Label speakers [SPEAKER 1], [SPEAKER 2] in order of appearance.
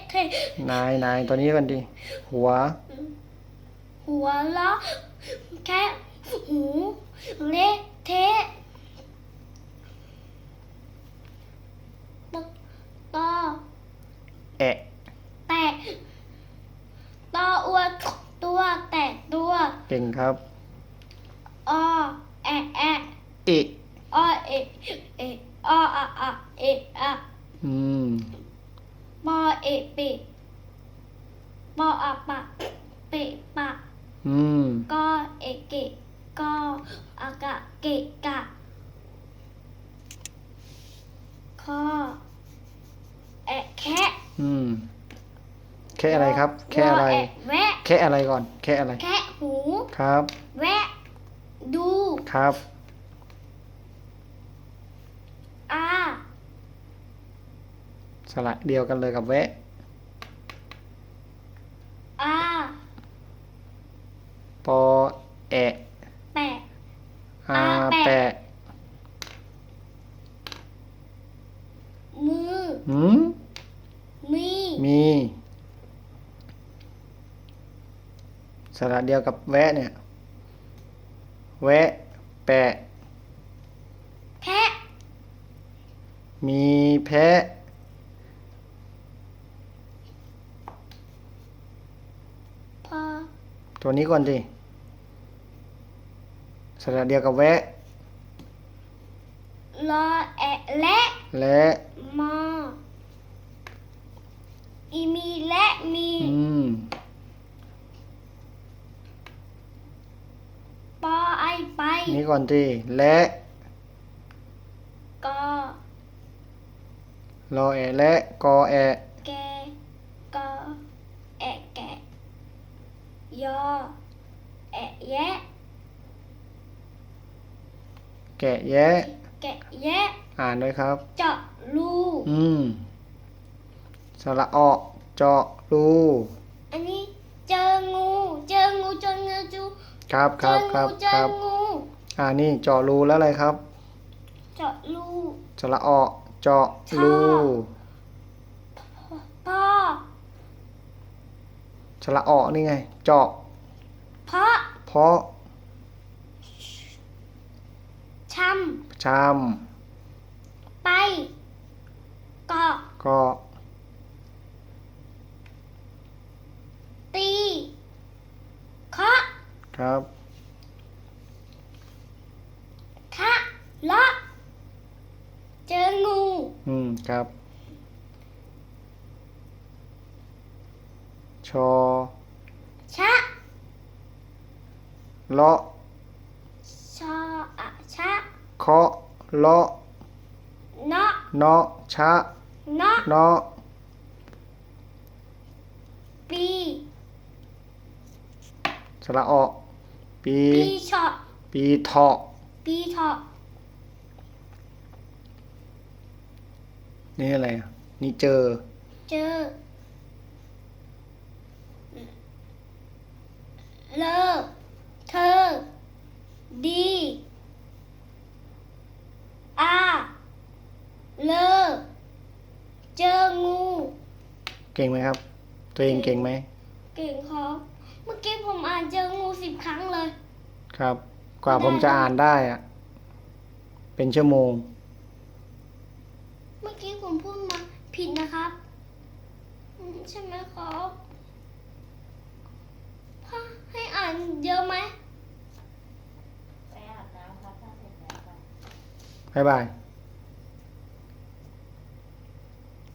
[SPEAKER 1] เทะ
[SPEAKER 2] นายตัวนี้กันดิหัว
[SPEAKER 1] หัวเราะแค่หูเละเทะตอ
[SPEAKER 2] แอะ
[SPEAKER 1] แตะตออ้วนตัวแตะตัว
[SPEAKER 2] เก่งครับ
[SPEAKER 1] อแอะแอะ
[SPEAKER 2] เอะ
[SPEAKER 1] อเอะเอะออะอะเอะอะ
[SPEAKER 2] อืม
[SPEAKER 1] ปอเอะเปะปออะปะเปะปะ
[SPEAKER 2] อืม
[SPEAKER 1] กอเอะเกะกออากะเกะกะคอแอะแคะ
[SPEAKER 2] อืมแค่อะไรครับแค่
[SPEAKER 1] วอ
[SPEAKER 2] อะไร
[SPEAKER 1] แอะแวะ
[SPEAKER 2] แค่อะไรก่อนแค่อะไร
[SPEAKER 1] แคะหู
[SPEAKER 2] ครับ
[SPEAKER 1] แวะ ดู
[SPEAKER 2] ครับ
[SPEAKER 1] อา
[SPEAKER 2] สระเดียวกันเลยกับแวะ
[SPEAKER 1] อา
[SPEAKER 2] ปอแอะ
[SPEAKER 1] แปะ
[SPEAKER 2] อาแปะ
[SPEAKER 1] มือ
[SPEAKER 2] หืม
[SPEAKER 1] มี
[SPEAKER 2] มีสระเดียวกับแวะเนี่ยแวะแปะ
[SPEAKER 1] แพะ
[SPEAKER 2] มีแพะ
[SPEAKER 1] พอ
[SPEAKER 2] ตัวนี้ก่อนดิสระเดียวกับแวะ
[SPEAKER 1] รอแอะและ
[SPEAKER 2] และ
[SPEAKER 1] มออีมีและมี
[SPEAKER 2] อืม
[SPEAKER 1] ปอไอไป
[SPEAKER 2] นี่ก่อนดิและ
[SPEAKER 1] กอ
[SPEAKER 2] รอแอะและกอแอะ
[SPEAKER 1] แกกอแอะแกะยอแอะแยะ
[SPEAKER 2] แกะแยะ
[SPEAKER 1] แกะแยะ
[SPEAKER 2] อ่านด้วยครับ
[SPEAKER 1] เจาะรู
[SPEAKER 2] อืมสระออเจาะรู
[SPEAKER 1] อันนี้เจองูเจองูเจองูจู
[SPEAKER 2] ครับค
[SPEAKER 1] เจ
[SPEAKER 2] รั
[SPEAKER 1] อบ
[SPEAKER 2] ครั
[SPEAKER 1] งู
[SPEAKER 2] บ
[SPEAKER 1] เจ
[SPEAKER 2] ค
[SPEAKER 1] อ
[SPEAKER 2] รับ
[SPEAKER 1] งู
[SPEAKER 2] นี่เจาะรูแล้วอะไรครับ
[SPEAKER 1] เจาะรู
[SPEAKER 2] สระออเจาะรู
[SPEAKER 1] พ่อ
[SPEAKER 2] สระออนี่ไง เจาะ
[SPEAKER 1] เพราะ
[SPEAKER 2] เพราะ
[SPEAKER 1] ช
[SPEAKER 2] ชาม
[SPEAKER 1] ำไปเกาะ
[SPEAKER 2] ก็
[SPEAKER 1] ตีเคาะ
[SPEAKER 2] ครับ
[SPEAKER 1] คะเลาะเจองู
[SPEAKER 2] ครับชอ
[SPEAKER 1] ชะ
[SPEAKER 2] เลาะ
[SPEAKER 1] ชออะชะ
[SPEAKER 2] เคาะเลาะ
[SPEAKER 1] เนาะ
[SPEAKER 2] เนาะชะ
[SPEAKER 1] เนาะ
[SPEAKER 2] เนาะ
[SPEAKER 1] ปี
[SPEAKER 2] สระออปี
[SPEAKER 1] ปีเฉาะ
[SPEAKER 2] ปีเถาะ
[SPEAKER 1] ปีเถาะ
[SPEAKER 2] นี่อะไรอ่ะนี่เจอ
[SPEAKER 1] เจอเลอเธอ ดีอาเลอเจองู
[SPEAKER 2] เก่งไหมครับ ตัวเองเก่งไหม
[SPEAKER 1] เก่งครับเมื่อกี้ผมอ่านเจองู10 ครั้งเลย
[SPEAKER 2] ครับ กว่าผมจะอ่านได้อ่ะ เป็นชั่วโมง
[SPEAKER 1] เมื่อกี้ผมพูดมาผิดนะครับใช่ไหมครับพ่อให้อ่านเยอะไหม
[SPEAKER 3] ไปอาบน้ำครับถ้าเสร็จแล้วไป
[SPEAKER 2] บ๊ายบาย